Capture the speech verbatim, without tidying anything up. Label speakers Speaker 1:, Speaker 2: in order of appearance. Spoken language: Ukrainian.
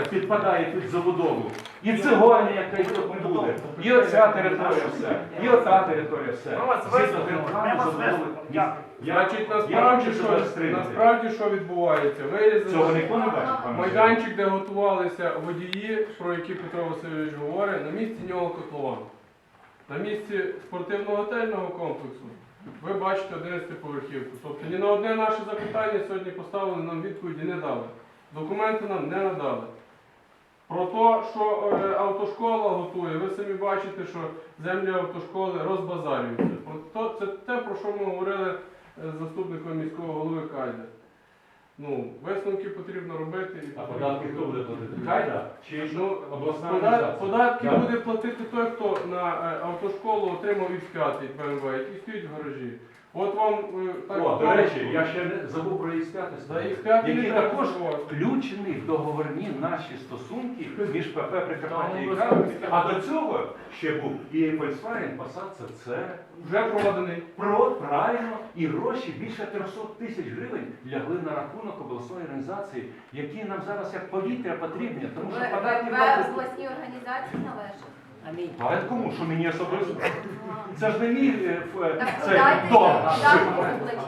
Speaker 1: територія підпадає під забудову. І цегольня, яка й тут буде, і оця територія все, і оця територія все. Згідно територіальної забудови. Я-
Speaker 2: Значить,
Speaker 1: я
Speaker 2: насправді,
Speaker 1: хочу
Speaker 2: що,
Speaker 1: себе стримати.
Speaker 2: насправді, що відбувається? Вирізали
Speaker 1: Цього ніхто не бачить, пане
Speaker 2: майданчик, де готувалися водії, про які Петро Васильович говорить, на місці нього котлован. На місці спортивно-готельного комплексу ви бачите одинадцятиповерхівку. Тобто ні на одне наше запитання сьогодні поставили, нам відповіді не дали. Документи нам не надали. Про те, що е, автошкола готує, ви самі бачите, що землі автошколи розбазарюються. Про то- Це те, про що ми говорили е, з заступником міського голови Кайда. Ну, висновки потрібно робити. І
Speaker 1: А податки хто буде платити? Кайда? Чи
Speaker 2: Ну,
Speaker 1: обласна
Speaker 2: пода-
Speaker 1: організація?
Speaker 2: податки
Speaker 1: Так.
Speaker 2: буде платити той, хто на е, автошколу отримав ікс п'ять Б М В, який стоїть в гаражі. От вам е, так.
Speaker 1: О, до речі, я ще не забув про ікс п'ять,
Speaker 2: За ікс п'ять не
Speaker 1: який
Speaker 2: треба
Speaker 1: також
Speaker 2: забувати.
Speaker 1: включений в договорні наші стосунки між ПП Прикарпаття і
Speaker 2: Там
Speaker 1: Кравець. А до цього ще був і Volkswagen Passat це це.
Speaker 2: Вже проданий.
Speaker 1: Про правильно, і гроші більше триста тисяч гривень лягли на рахунок обласної організації, які нам зараз як повітря потрібні, тому що податки
Speaker 3: В
Speaker 1: платять.
Speaker 3: обласній організації належить.
Speaker 1: А кому? Що мені особисто? Це ж не мій е, ф-
Speaker 3: Так
Speaker 1: цей
Speaker 3: подайте
Speaker 1: дом.
Speaker 3: податки в обличчя.